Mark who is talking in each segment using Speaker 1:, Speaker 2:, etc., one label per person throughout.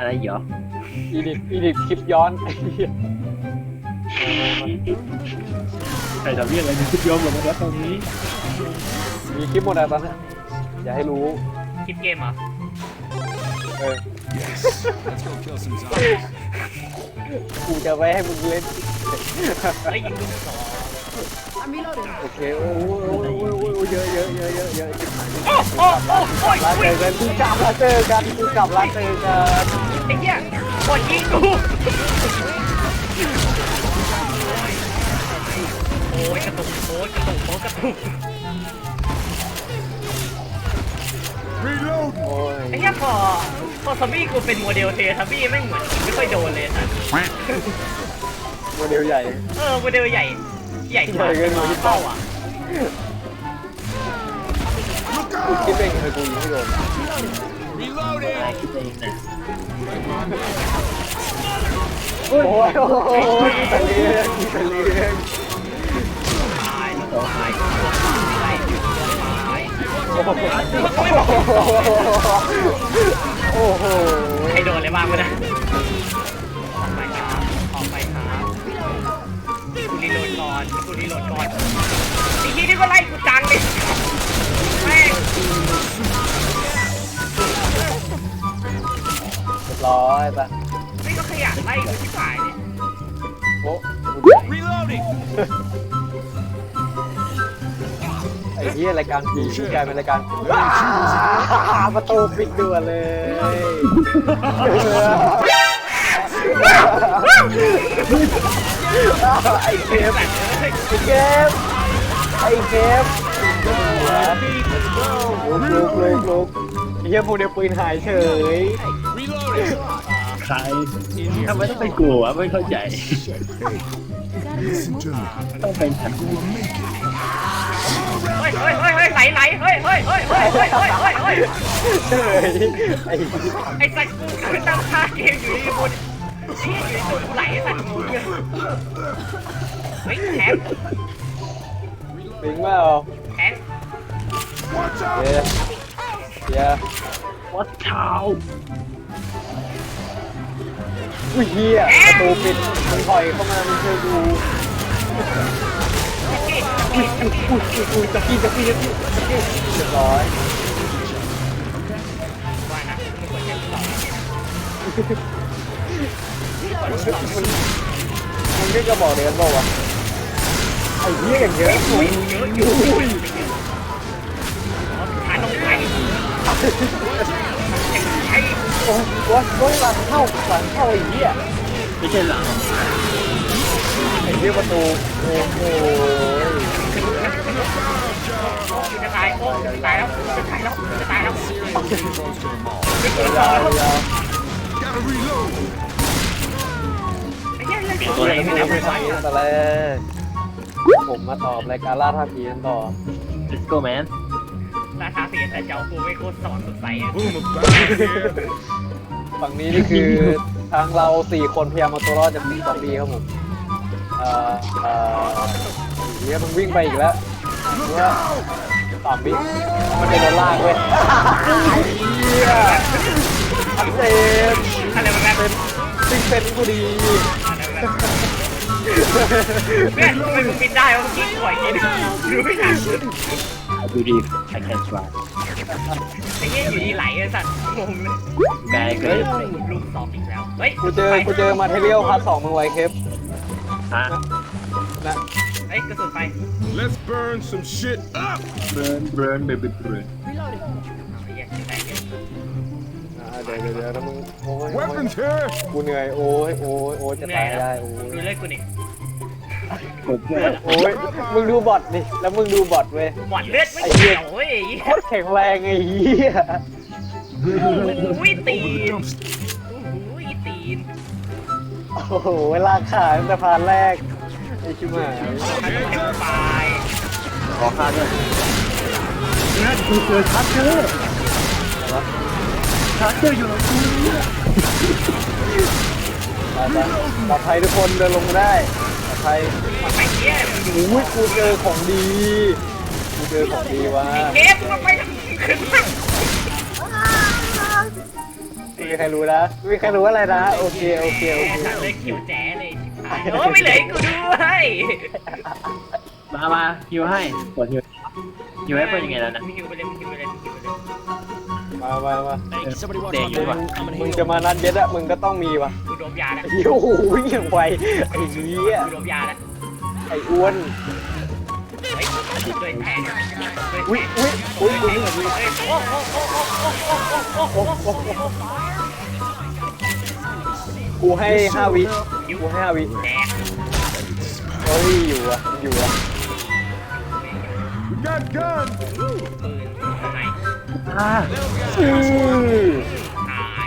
Speaker 1: อะไรเหรอ
Speaker 2: อีดิทคลิปย้อน
Speaker 1: ใครทำเรื่องอะไรในคลิปย้อนหมดแล้วตอนนี้
Speaker 2: มีคลิปหมดแล้วตอนนี้อย่าให้รู้
Speaker 3: คลิปเกมเหรอ
Speaker 2: กูจะไว้ให้มึงเล่น
Speaker 3: ไอ้ยิงลูกศร
Speaker 2: โอเคโอ้ยเยอะ
Speaker 3: โอ้
Speaker 2: ลาเจอกันกูกลับลาเจอกัน
Speaker 3: ไอ้เหี้ยกดยิงกูโอ้ยกระตุกไอ้เหี้ยพอซอมบี้กูเป็นโมเดลเททับบี้ไม่เหมือนไม่ค่อยโดนเลยนะ
Speaker 2: โมเดลใหญ่
Speaker 3: โมเดลใหญ่กว่าเป้าอ่ะ
Speaker 2: กูคิดเองเลยกูยิงไม่โดน
Speaker 1: คิดเองนะ
Speaker 2: โอ้ยมีแต่เรื่องโอ้โห
Speaker 3: ให้โดนเลยบ้างวะนะออกไปครับกูรีโหลดก่อนไอ้ที่นี่ก็ไล่กูจังดิแม่ง
Speaker 2: เรียบร้อยปะ
Speaker 3: นี่ก็ขยันไล่กูที่ฝ่ายดิ
Speaker 2: โอ้ไอ้เหี้ยรายการผีกลายเป็นรายการประตูปิดด่วนเลยไอ้เคฟลุกเฮียพวกเดียวปืนหายเฉย
Speaker 1: ใครทำไมต้องไปกลัวไม่เข้าใจต้องเป็นฉัน
Speaker 3: ไหลเฮ้ยไอ้สัตว์กูคือตั้งท่าเกมอยู่ดีบนชี้อยู่ในตัวไหลสัตว์กูเนี่ยเฮ้ยแทง
Speaker 2: ปิงเปล่าเย้
Speaker 1: วัดเท้า
Speaker 2: อุ้ยเฮียประตูปิดมึงถอยเข้ามามึงเจอกูจะกี้เรียบร้อย
Speaker 3: ว่านะมึงควรจะต่อ
Speaker 2: มึงก็จะบอกเดี๋ยวบอกว่าไอ้เหี้ยอย่างเยอะ
Speaker 3: อยู่หาตรงไหน
Speaker 2: โอ้ยหลังเข้าไอ้เหี้ย
Speaker 1: ไม่ใช่หลัง
Speaker 2: ไอ้เหี้ยประตูโอ้โห
Speaker 3: จะตายแล้ว
Speaker 2: ยาว
Speaker 3: ไอ้เหี้ยเรื่อง
Speaker 2: ตัวไหนไม่ได้ไปใส่แต่แรกผมมาตอบรายการล่าท่าผีกันต่อ
Speaker 1: Let's go man
Speaker 3: ราคาเสียแต่เจ้ากูไม่โคตรสอนสดใส
Speaker 2: ฝั่งนี้นี่คือทางเรา4 คนพยายามเอาตัวรอดจากซอมบี้ครับผมเดี๋ยวมันวิ่งไปอีกแล้วว่า3 วิมันเป็นโดนลากเว้ยชัดเจน
Speaker 3: อะไรมัน
Speaker 2: เป็นซิงเป็นกูดี
Speaker 3: เพื่อนทำไมมึงปิดได้วะเมื่อกี้ปล่อยกินดูไม่ทัน
Speaker 1: ดูดิ I can't try
Speaker 3: ไอ้เงี้ยอยู่ดีไหลไอ้สัตว์งงเลย
Speaker 1: ไงเกิด
Speaker 3: ลูกสอบอีกแล้วเฮ้ย
Speaker 2: กูเจอมาเทเรียลพาร์ท 2มึงไว้เคป
Speaker 3: นะเฮ้ยกระสุนไฟ
Speaker 4: Let's burn some shit up
Speaker 1: burn baby burn
Speaker 2: เดี๋ยวนะมึง
Speaker 4: Weapons here
Speaker 2: กูเหนื่อยโอ้ยจะตายได้โอ้ย
Speaker 3: ดูเลยกูนี่
Speaker 2: โอ้ยมึงดูบอทดิแล้วมึงดูบอทเว้ย
Speaker 3: บอทเลือดไม่เกี่ยวเว้ย
Speaker 2: โคตรแข็งแรงไอ้เหี้ย
Speaker 3: ตีน
Speaker 2: โอ้โหเวลาขาตั้งแต่พานแรกไอ้ชิบหาย
Speaker 1: ขอค่าด้วยนั่นคือเจอชัดเจออยู่กับกูเนี่ย
Speaker 2: ปลอดภัยทุกคนเดินลงมาได้ปลอดภัย
Speaker 3: เนี่ย
Speaker 2: โอ้ยกูเจอของดีว่ะ
Speaker 3: เก็บมาไปขึ้นมา
Speaker 2: มีใครรู้นะไม่มีใครรู้อะไรนะโอเคโอเคโอเค
Speaker 3: สัตว์เลยคิวแจ๋เลยโอ้ไม่เหลือให้กูด้วย
Speaker 1: มาฮิวให้กดฮิวฮิวให้เป็นยังไงแล้วนะ
Speaker 3: คิวไปเลยคิวไปเลยคิวไปเลย
Speaker 2: มา
Speaker 1: เตะอยู่ว่ะ
Speaker 2: มึงจะมานัดเย็ดอะมึงก็ต้องมีว่ะ
Speaker 3: กูโดนยาแล้ว
Speaker 2: โอ้โหอย่างไวไอ้เหี้ย
Speaker 3: กูโดนยาแล้ว
Speaker 2: ไอ้อ้วน
Speaker 3: เฮ้ยด้วยแทง
Speaker 2: อุ้ยอุ้ยอุ้ยอุ้ย
Speaker 3: โอ้โหโอ้
Speaker 2: กูให้5 วิกูให้5 วิ
Speaker 3: แดก
Speaker 2: เฮ้ยอยู่อะอยู่อะ
Speaker 4: We got guns.
Speaker 3: ไหน
Speaker 1: อ่า
Speaker 2: อื้อ
Speaker 3: หาย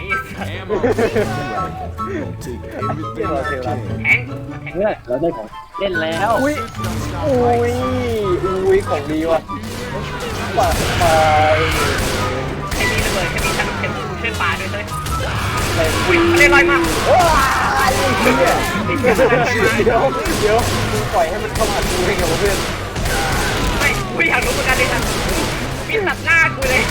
Speaker 4: Take
Speaker 2: เจ้า
Speaker 4: everything
Speaker 2: เท
Speaker 4: I
Speaker 2: วรัต
Speaker 4: can.
Speaker 3: แทง
Speaker 1: เพื่อนเราได้ของเล่นแล้ว
Speaker 2: อุ้ยอุ้ยอุ้ยของดีว่ะไปไป
Speaker 3: แค่มีระเบิดแค่มีฉันเป็นผู้ช่วยปลาด้วยเลย
Speaker 2: ไป
Speaker 3: อุ้ยเล่นลอยมา
Speaker 2: ว้ายเหี้ยเดี๋ยวมึงปล่อยให้มันเข้ามาดูได้ไงวะเพื่อน
Speaker 3: ไม่กูอยากรู้เหมือนกันเลยนะมีตัดหน้ากูเลย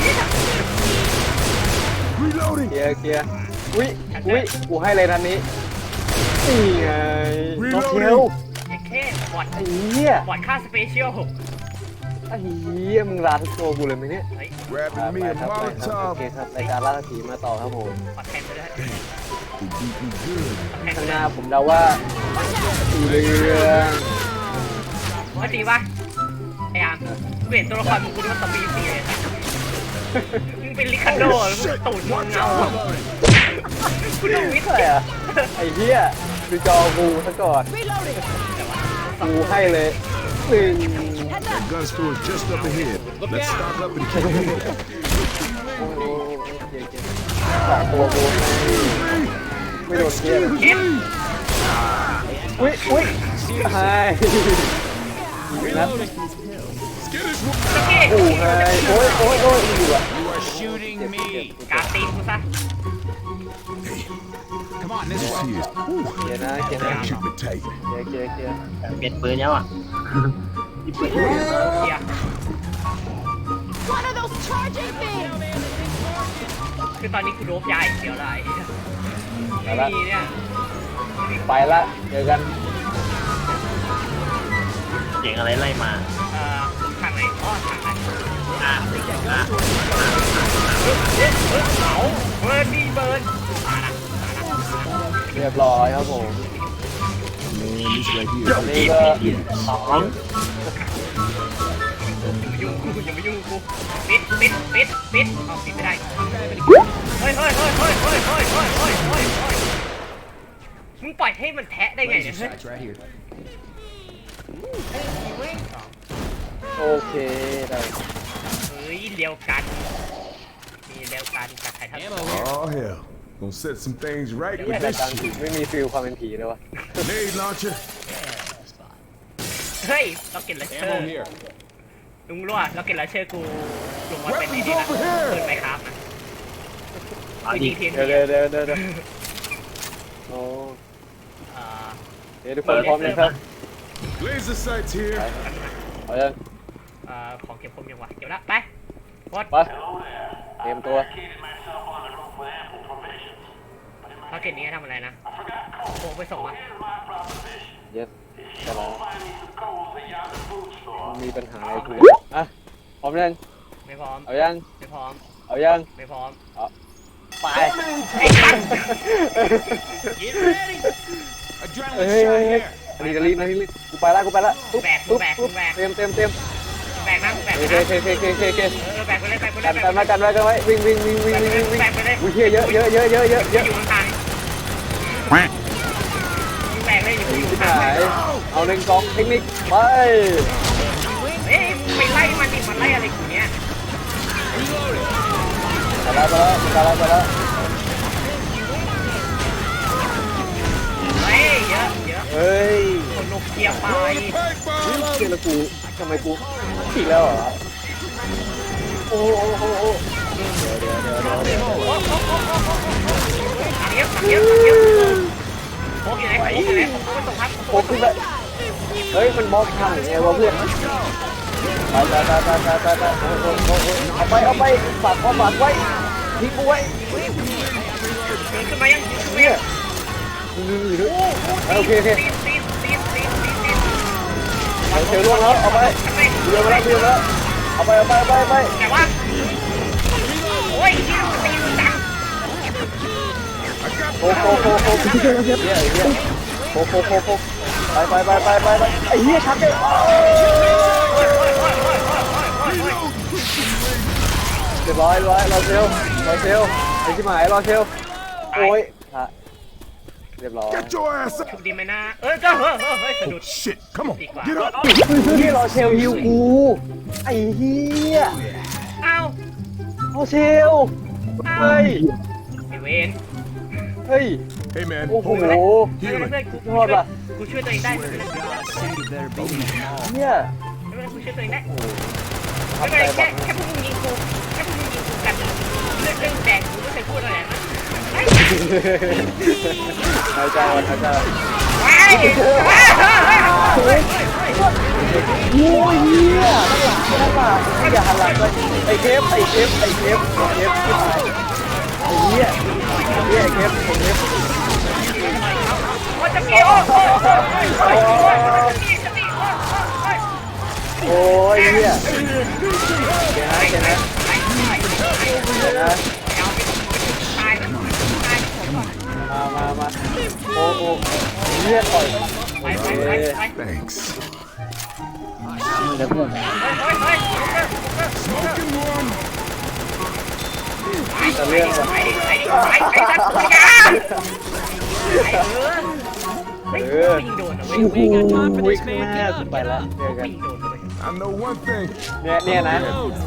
Speaker 4: Reloading.
Speaker 2: เคลียร์อุ้ยกูให้เลยนันนี้นี่ไงน้องเทล
Speaker 3: ไอ้แค่บอด
Speaker 2: ไอ้เหี้ย
Speaker 3: บอดค่าสเปเชียล
Speaker 2: ไอ้เหี้ยมึงร้านทุกตัวกูเลยไหมเนี่ย
Speaker 3: เฮ้ย
Speaker 4: Grabbing me a
Speaker 2: ครับโอ
Speaker 4: Molotov.
Speaker 2: เคครับรายการล่าผีมาต่อครับผม
Speaker 3: บอดแทงไปเลย
Speaker 4: They beat me good.
Speaker 3: แทงไป
Speaker 2: ข้างห
Speaker 3: เล
Speaker 2: น้าย ผมเดาว่าสีเหลือง
Speaker 3: ว่าจริงปะไอ้อามเปลี่ยนตัวละครมึงกูนึกว่าตอมบี้ซีเลยมึงเป็นลิคาโดมึงตูดมึงเงากูต้องวิทย์
Speaker 2: อะไรอะไอ้เหี้ยดูจอกูซะก่อนกูให้เลย1
Speaker 4: That gun store is just up ahead. Let's stock up and kill it.
Speaker 2: โอ้โหสองตัวกูไม่โดนเกียร์
Speaker 3: เอ็ม
Speaker 2: อุ้ยไฮนัด
Speaker 4: Get this
Speaker 3: โอเค
Speaker 2: โอ้ไฮโอ้ยอยู่อะ
Speaker 5: Shooting me.
Speaker 3: กาตีนกูซะ
Speaker 5: Come on, this
Speaker 4: This
Speaker 5: way.
Speaker 4: here.
Speaker 2: เกียร์นะเกียร์นะ
Speaker 4: Keep it tight.
Speaker 2: เกียร์
Speaker 1: เปลี่ยนปืนแล้วอ่ะที่ปืน
Speaker 3: เฮีย
Speaker 6: One of those charging things!
Speaker 3: คือตอนนี้กูโดบยาอีกเดียวได้ไม่มีเนี่ย
Speaker 2: ไปละเจอกัน
Speaker 1: เสียงอะไรไล่มา
Speaker 3: ทางไหนอ๋อทางไหน
Speaker 1: อ่ะ
Speaker 3: เบิร์นนี่เบิร์น
Speaker 2: เรียบร้อยครับผม
Speaker 4: Man, this right here.
Speaker 2: นี่ก็
Speaker 1: สอง
Speaker 3: ยุ่งกูอย่ามายุ่งกูปิดเอาปิดไม่ได้เฮ้ยมึงปล่อยให้มันแทะได้ไงเนี่ย
Speaker 5: Sights right here.
Speaker 2: โอเคได้
Speaker 3: เฮ้ยเดียวกันมีเดียวกันจากใครทั้ง
Speaker 4: Oh, hell. Gonna set some things right
Speaker 2: เหี้
Speaker 4: with
Speaker 2: ยราย
Speaker 4: this
Speaker 2: การผี
Speaker 4: shit.
Speaker 2: ไม่มีฟิลความเป็นผีเลยวะ
Speaker 4: Grenade launcher.
Speaker 3: เฮ้ยเราเก็บลัชเชอ
Speaker 5: Ammo
Speaker 3: ร์
Speaker 5: here.
Speaker 3: ลุงรู้อ่ะเราเก็บลัชเชอร์กูลงมาเป็นไอ้นี่นะเปิดไปครับนะ
Speaker 1: เอา
Speaker 3: กู
Speaker 1: ดิ
Speaker 3: ยิงเทียน
Speaker 2: เดี๋ยวโอ้เดี๋ยวทุกคนพร้อมเลยครับ
Speaker 4: Laser sights here.
Speaker 2: เอายัง
Speaker 3: ของเก็บคมยังวะเดี๋ยวละไปวอด
Speaker 2: ไปเตรียมตัว
Speaker 3: ภารกิจนี้ทำอะไรนะโค้งไปส่งอ่ะ
Speaker 2: yes จะรอมีปัญหาอะไรคุยอ่ะพร้อมยัง
Speaker 3: ไม่พร้อม
Speaker 2: เอายัง
Speaker 3: ไม่พร้อม
Speaker 2: เอายัง
Speaker 3: ไม่พร้อม
Speaker 2: ไป
Speaker 3: ไอ้สัตว์
Speaker 5: Get ready.
Speaker 2: เฮ้
Speaker 5: Adrenaline
Speaker 2: ย
Speaker 5: shot here.
Speaker 2: รีบกูไปละตุ๊บเตรียม
Speaker 3: แบกนะแบก
Speaker 2: โอ
Speaker 3: ไป
Speaker 2: เค
Speaker 3: นะแบกไปเลยแบกไปเลย
Speaker 2: กันไว้วิ่ง
Speaker 3: แบกไปเลย
Speaker 2: อุ้ยเยอะ
Speaker 3: อยู่ข้างๆแบกเลยอยู่
Speaker 2: ที่
Speaker 3: ข้า
Speaker 2: หาง ยเอา1กองเทคนิคไป
Speaker 3: เฮ้ยไปไล่มันดิมันไล่อะไรกูเนี้ย
Speaker 2: ไปแล้ว
Speaker 3: เฮ้ยเยอะ
Speaker 2: เฮ้ย
Speaker 3: คนนกเกียร์ไป
Speaker 2: เจอแล้วกูทำไมกูอีกแล้วเหรอโอ้เดี๋ยว
Speaker 3: ถังเยอะโค้งอยู่ไหนไม่ส่งครับ
Speaker 2: โอ้ขึ้นไปเฮ้ยมันบล็อกทางไงวะเพื่อนไปเอาไปฝากไว้ทิ้งกูไว้
Speaker 3: เดินขึ้นมายังขึ้นมา
Speaker 2: เนี่
Speaker 3: ยั
Speaker 2: ย
Speaker 3: ง
Speaker 2: โอเคโอเค
Speaker 3: ตีน
Speaker 2: เซลล่วงแล้วเอาไป
Speaker 3: ทำไม
Speaker 2: เบียร์มาแล้วเบียร์มาแล้วเอาไปไป
Speaker 3: แต่ว่าโอ้ยที่เราตีมันจัง
Speaker 2: โคเนี่ยโคไปไอ้เหี้ยชักเลยเรียบร้อยรอเซลไอ้ที่หมายรอเซลโอ้ยเรียบร้อย
Speaker 4: Get your ass up!
Speaker 3: ชุบดีไหมนะก็เฮ้ยสะดุด
Speaker 4: Shit, come on,
Speaker 3: ดีกว่า
Speaker 4: get up!
Speaker 2: นี่รอเชลฮิวกูไอ้เหี้ย
Speaker 3: เอ้าร
Speaker 2: อเชลเฮ้ย
Speaker 3: ไอเวน
Speaker 2: เฮ้ย
Speaker 4: Hey man,
Speaker 2: โอ้โห
Speaker 4: hold it.
Speaker 3: เพื่อน
Speaker 2: ยอดว่ะ
Speaker 3: กูช่วยตัวเองได้ไม่เป็นไร
Speaker 2: เนี่ย
Speaker 3: กูช่วยตัวเองได้ไม่เป็นไรแค่พวกมึงยิงกูกันเรื่องแดงกูไม่เคยพูดอะไรนะ
Speaker 2: หายใจไป โอ้ยเหี้ยนั่นล่ะอย่าหันหลังเลยไอ้เทปที่ตายไอ้เหี้ยเทปผมเทป
Speaker 3: โอ้จะมีโอ้
Speaker 2: โอ้ยเหี้ยเห็นนะ
Speaker 3: ตาย
Speaker 2: มาโอ้เหี้ยต่อย
Speaker 3: ไป
Speaker 4: Thanks.
Speaker 3: เ
Speaker 2: แต่เรื่องว่ะ
Speaker 3: ไอ้สัตว์ตัวยายิงโดนนะเว้ย
Speaker 2: วิ่งหน้าไปแล้วเจอกัน
Speaker 3: ยิงโดนเลย
Speaker 4: I know one thing.
Speaker 2: เนี่ยนะ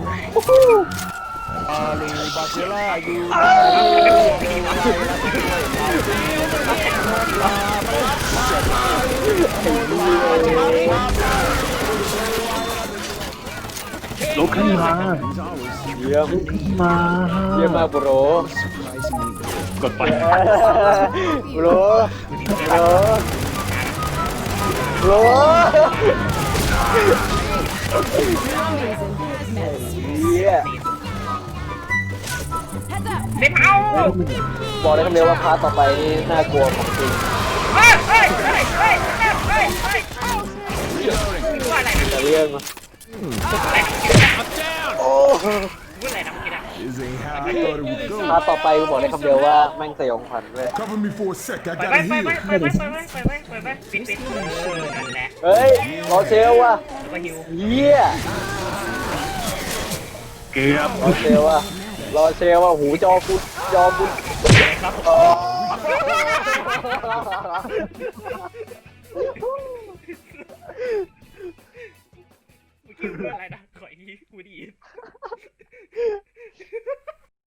Speaker 1: ลุกขึ้นมา
Speaker 2: เยี่ยม
Speaker 1: มา
Speaker 2: เยี่ยมมากโบร
Speaker 1: กดไป
Speaker 2: โบรเยี่ย
Speaker 3: เล่นเอา
Speaker 2: บอกได้คำเดียวว่าพาร์ทต่อไปนี่น่ากลัวของจริง
Speaker 3: ว่าอะไรนะ
Speaker 2: แต่เรื่อง โอ้
Speaker 3: พูดอะไรนะเมื่อกี้นะ
Speaker 4: This ain't how I thought it would go.
Speaker 2: พาร์ทต่อไปกูบอกได้คำเดียวว่าแม่งสยองขวัญเว้ย
Speaker 4: Cover me for a sec. I
Speaker 3: ไป
Speaker 4: gotta
Speaker 3: ไป
Speaker 4: heal.
Speaker 3: ปิดนั่นแหละ
Speaker 2: เฮ้ยรอเชลว่ะ
Speaker 3: ก็หิว
Speaker 2: เยี่ย
Speaker 1: เกือบ
Speaker 2: รอเชลว่ะหูจอกู
Speaker 3: ครับ
Speaker 2: อ๋อ
Speaker 3: เมื่อกี้พูดอะไรนะขออีกทีพูดดี